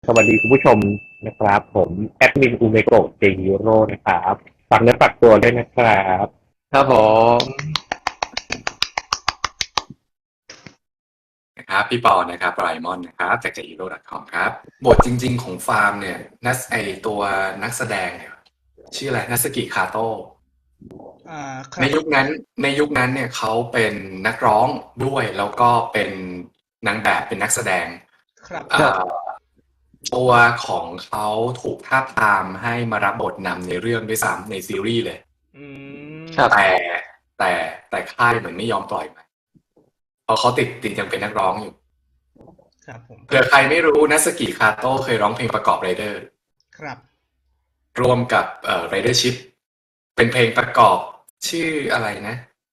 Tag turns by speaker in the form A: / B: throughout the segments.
A: สวัสดีคุณผู้ชมนะครับผมแอดมินอูเมโกะเจฮิโร่นะครับฝากเนื้อฝากตัวด้วยนะครับ
B: ครับผม
C: นะครับพี่ปอนะครับไรมอนนะครับจาก jhero.com ครับบทจริงๆของฟาร์มเนี่ยตัวนักแสดงเนี่ยชื่ออะไรนัสกิคาโตะในยุคนั้นเนี่ยเขาเป็นนักร้องด้วยแล้วก็เป็นนางแบบเป็นนักแสดง
D: ครับ
C: ตัวของเขาถูกทาบทามให้มารับบทนำในเรื่องด้วยซ้ำในซีรีส์เลยแต่ค่ายเหมือนไม่ยอมปล่อยมาเพราะเขาติดยังเป็นนักร้องอยู่
D: ครับผม
C: เผื่อใครไม่รู้นัสกิคาโตะเคยร้องเพลงประกอบไรเดอร์
D: ครับ
C: รวมกับRidership เป็นเพลงประกอบชื่ออะไรนะ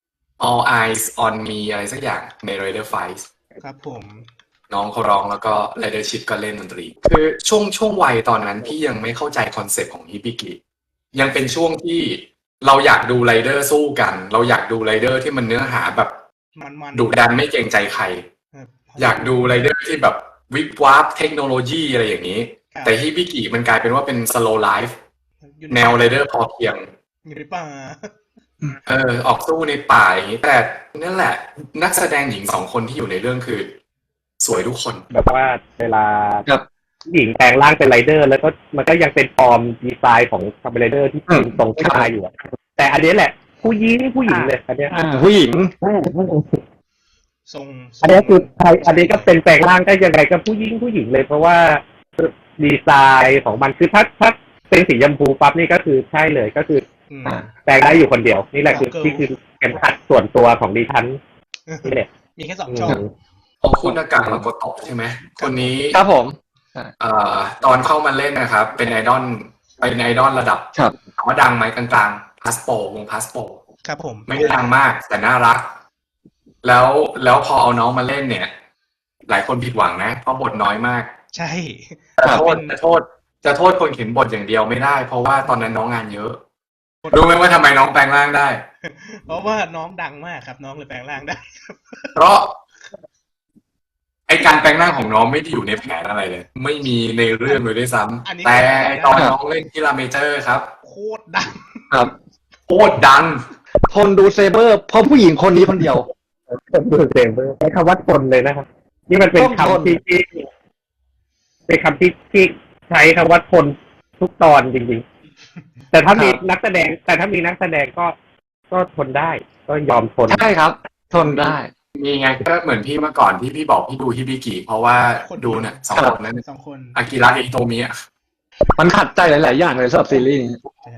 C: All Eyes on Me อะไรสักอย่างใน Rider Fight
D: ครับผม
C: น้องเขาร้องแล้วก็ Ridership ก็เล่นดนตรีคือช่วงวัยตอนนั้นพี่ยังไม่เข้าใจคอนเซ็ปต์ของฮิบิกิยังเป็นช่วงที่เราอยากดูไรเดอร์สู้กันเราอยากดูไรเดอร์ที่มันเนื้อหาแบบดุดันไม่เกรงใจใครอยากดูไรเดอร์ที่แบบวิบวับเทคโนโลยีอะไรอย่างนี้แต่ฮิบิกิมันกลายเป็นว่าเป็นสโลว์ไลฟ์แนวไรเดอร์พอเพียง
D: อยู่ในป่า
C: ออกสู้ในป่าอย่างนี้แต่นั่นแหละนักแสดงหญิง2 คนที่อยู่ในเรื่องคือสวยทุกคน
A: แบบว่าเวลาหญิงแปลงร่างเป็นไรเดอร์แล้วก็มันก็ยังเป็นฟอร์มดีไซน์ของคาร์บอนไรเดอร์ที่เป็นตรงผู้ชายอยู่แต่อันนี้แหละผู้หญิงเลยอันนี้
B: ผู้หญิง
D: ทรง
A: อันนี้คืออันนี้ก็เป็นแปลงร่างก็ยังไงก็ผู้หญิงเลยเพราะว่าดีไซน์ของมันคือถ้าเป็นสีชมพูปั๊บนี่ก็คือใช่เลยก็คือแปลงได้อยู่คนเดียวนี่แหละคือที่คือเข็มขัดส่วนตัวของดิฉันนี่แหละ
D: มีแค่2 ช่อง
C: คุณอากาศมาโกโตะใช่ไหมคนนี้
B: ครับผม
C: ตอนเข้ามาเล่นนะครับเป็นไอดอลระดับถามว่าดังไหมกลางๆพาสโปวงพาสโป
D: ครับผม
C: ไม่ได้ดังมากแต่น่ารักแล้วพอเอาน้องมาเล่นเนี่ยหลายคนผิดหวังนะเพราะบทน้อยมาก
D: ใช่
C: จะโทษคนเขียนบทอย่างเดียวไม่ได้เพราะว่าตอนนั้นน้องงานเยอะรู้ไหมว่าทำไมน้องแปลงร่างได้
D: เพราะว่าน้องดังมากครับน้องเลยแปลงร่างได้
C: เพราะไอการแปลงร่างของน้องไม่ได้อยู่ในแผนอะไรเลยไม่มีในเรื่องเลยด้วยซ้ำแต่ตอนน้องเล่นกีฬาเมเจอร์ครับ
D: โคตรดัง
B: ครับ
C: โคตรดัง
B: ทนดูเซเบอร์เพราะผู้หญิงคนนี้คนเดียว
A: ทนดูเซเบอร์ใช้คำว่าทนเลยนะครับนี่มันเป็นคำที่เป็นคำที่ใช้คำว่าทนทุกตอนจริงๆแต่ถ้ามีนักแสดงก็ทนได้ก็ยอมทน
B: ใช่ครับทนได้
C: มีไงก็เหมือนพี่เมื่อก่อนที่พี่บอกพี่ดูฮิบิกิเพราะว่าดูเนี่ย2 คนนั้น
D: 2 คน
C: อากิระอิโตมิะ
B: มันขัดใจหลายๆอย่างเลยสำหรับซีรีส์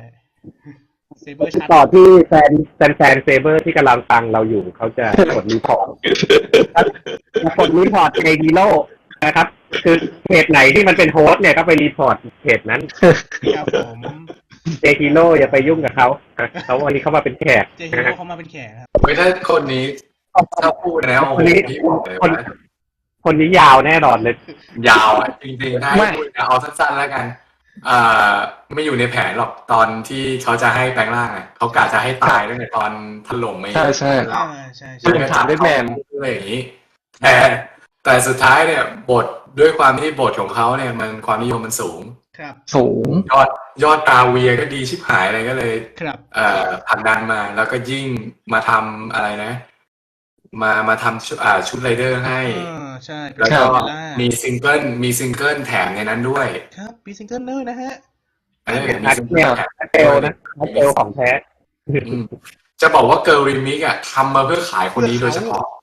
A: ต่อที่แฟนเซเบอร์ที่กำลังฟังเราอยู่เขาจะกดรีพอร์ตในฮีโร่นะครับคือเพจไหนที่มันเป็นโฮสต์เนี่ยก็ไปรีพอร์ตเพจนั้น
D: ครับผม
A: เจฮีโร่อย่าไปยุ่งกับเขาวันนี้เขามาเป็นแขก
D: เจฮีโร่เขามาเป็นแขกครับ
C: ไม่ถ้าคนนี้ถ้าพูดแล้ว
A: คนนี้ยาวแน่นอนเลย
C: ยาวจริงๆถ้าพูดเอาสั้นๆแล้วกันไม่อยู่ในแผนหรอกตอนที่เขาจะให้แปลงร่างเขากะจะให้ตายตั้งแต่ตอนถล่มไม่
B: ใช่ใช่
C: ถามได้แมนอะไรอย่างนี้แต่สุดท้ายเนี่ยบทด้วยความที่บทของเขาเนี่ยมันความนิยมมันสูง
B: สูง
C: ยอดตาเวียก็ดีชิบหายอะไรก็เลยผลักดันมาแล้วก็ยิ่งมาทำอะไรนะมาทำชุดไรเดอร์ให้
D: ใช่
C: แล้วก็มีซิงเกิลแถมในนั้นด้วย
D: ครับมีซิงเกิลเลยนะฮะ
C: มีซิงเกิลแถม
A: เอลนะเอลของแท้
C: จะบอกว่าเกิร์ลรีมิกทำมาเพื่อขายคนนี้โดยเฉพาะ